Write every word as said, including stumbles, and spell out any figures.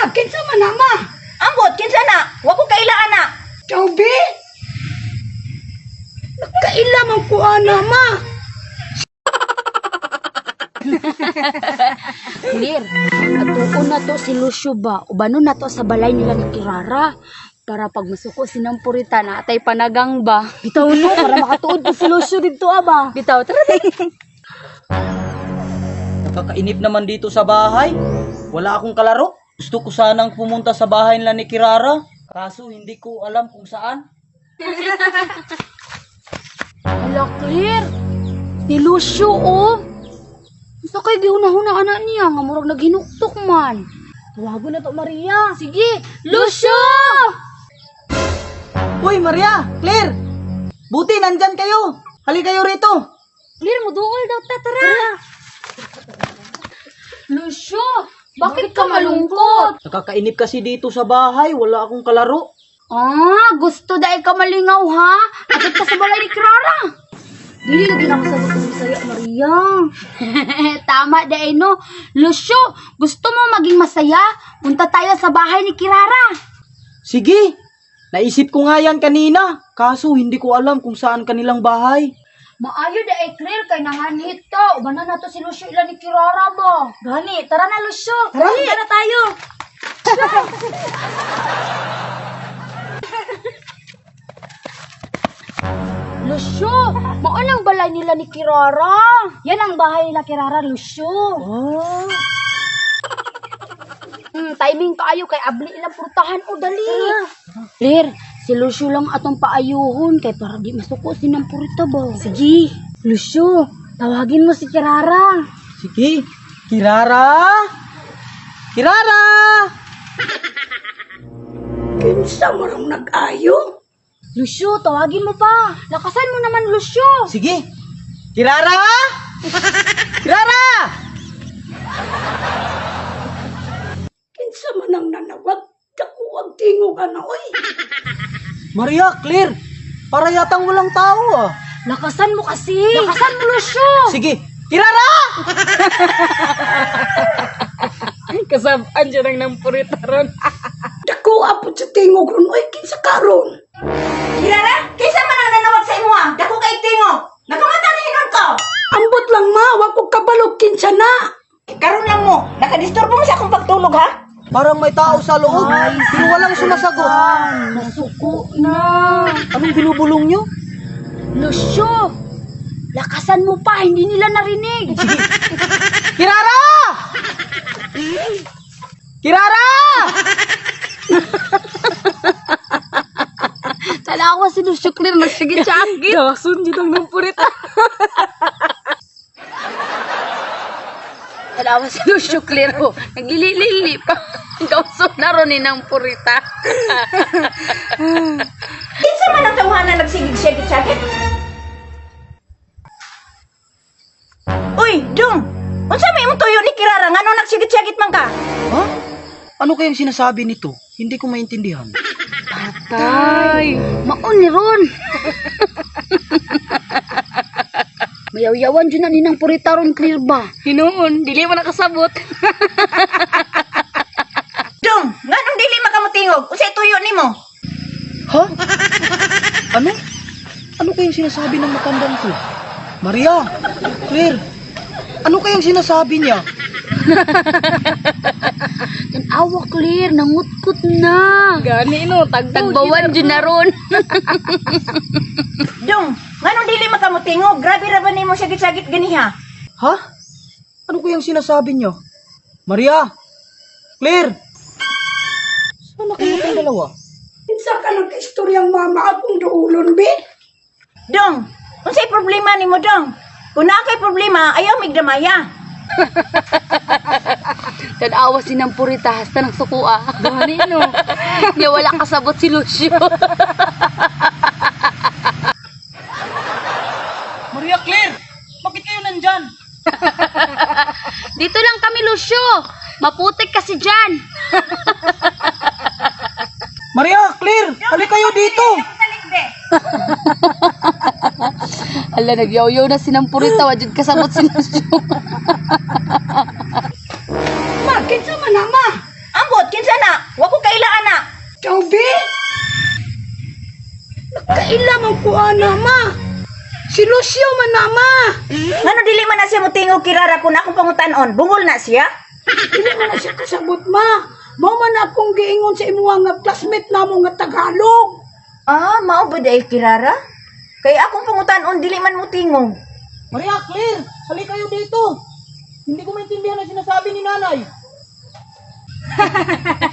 kinsa man na, ma? Ambot, kinsa na? Wa ko kailaan na. Chaubi? Nagkaila man ko, ana, ma. Clear. Atuon na to si Lucio ba? Ubano na to sa balay nila ni Kirara. Para pag masuko sinang purita na atay panagang ba. Bitaw no, para makatuod ko si Lucio dito aba. Bitaw, tara din. Nakakainip naman dito sa bahay. Wala akong kalaro. Gusto ko sanang pumunta sa bahay nila ni Kirara. Kaso hindi ko alam kung saan. Hala, Clear. Si Lucio, oh. Sa kay gihuna-huna anak niya, nga murag naghinuktok man. Tawago na to, Maria. Sige, Lucio! Uy, Maria! Claire! Buti, nandyan kayo! Hali kayo rito! Clear, muduol daw ta, tara. Lucio, bakit ka malungkot? Nakakainip kasi dito sa bahay. Wala akong kalaro. Ah, gusto dahil ka malingaw, ha? Agad ka sa balay ni Clara. Dili lagi na masagot ko sa'yo, Maria. Tama dahil, no? Lucio, gusto mo maging masaya? Punta tayo sa bahay ni Kirara. Sige! Naisip ko nga yan kanina. Kaso hindi ko alam kung saan kanilang bahay. Maayo dahil, Clear, kay nanganhit ka. Ubanan na to si Lucio ilan ni Kirara ba? Gani, tara na, Lucio. Tara na tayo. Lucio, maunang balay nila ni Kirara. Yan ang bahay nila Kirara, Lucio. Ah, Hmm, timing kaayo kay abli ilang purtahan o dali. Clear, si Lucio lang atong paayuhon kay para di masuko sinang purita ba. Sige, Lucio, tawagin mo si Kirara. sige. Kirara! Kirara! Kinsa marang nag-ayo? Lucio, tawagin mo pa. Lakasan mo naman, Lucio. Sige. Kirara! Kirara! Kinsa man ang nanawag? Dako ang tingog, ana, oy. Maria, Claire! Para yatang walang tao ah. Lakasan mo kasi. Lakasan mo, Lucio. Sige. Kirara! Kasabaan siya ng nampurita ron. Dako apod sa tingog ron, oy. Kinsa karon? Kirara, kinsa man ang nanawag sa imo ah? Dako kay tingo. Nakamata na hinon ko. Ambot lang, ma. Wa ko kabalog kinsa na. Karon lang mo, nakadisturbo mo sa akong pagtulog ha? Parang may tao sa loob. Pero walang sumasagot. Nasuko na. Anong binubulong nyo? Lucio, lakasan mo pa. Hindi nila narinig. Kirara! Kirara! Talawa si Lucio, Clear. Nagsagit-sagit. Gawasun dito ng nampurita. Talawa si Lucio, Clear. Oh. Naglilili pa. Gawasun na ron ni ng purita. Kinsa man ang tawhanan nagsigig-sigit-sigit? Uy, Dong! Unsa may imong tuyo ni Kirara ngano nagsigit-sigit man ka? Ha? Ano kayang sinasabi nito? Hindi ko maintindihan. Tay, maon ni ron. Mayaw-yawan dyan na ninang purita ron, Clear ba? Hinoon, dili mo nakasabot. Dong, nganong dili makamutingog? Unsay tuyo nimo? Ha? Ano? Ano kayang sinasabi ng matandang ko? Maria! Claire! Ano kayang sinasabi niya? Tanawa, Clear, nangutkot na. Gani no, tagtagbawan dyan na ron. Dong, nganong dili makamutingog? Grabe ra ba nimo sigit-sigit ganiha? Ha? Ano kayang sinasabi niya? Maria! Claire! Saan na kayo kayong dalawa? Kinsa ka nagka-istoryang mama akong duulon, be? Dong, unsay problema nimo, Dong? Kung naa kay problema, ayaw migdamaya. Tanawa si ng purita, hasta ng sukua. Gani no. Niya wala kasabot si Lucio. Maria Claire! Bakit kayo nandyan? Dito lang kami, Lucio. Maputik kasi dyan. Maria Claire! Halika kayo dito! Hala, nagyaw-yaw na sinampurita. Wajud kasabot si Lucio. Ma, kinsa man na, ma? Ambot, kinsa na? Wa ko kailaan na. Chaubi! Nakailamang ko ana, ma. Si Lucio man na, ma. Ngano dili man na siya motingog kirara kung akong pangutan-on? Bungol na siya? Dili man na siya kasabot, ma. Mao man akong giingon sa imuha nga classmate namo nga Tagalog. Ah, mao ba dahil kirara? Kaya akong pangutan-on dili man motingog. Maria, Claire, hali kayo dito. Hindi ko maintindihan ang sinasabi ni nanay.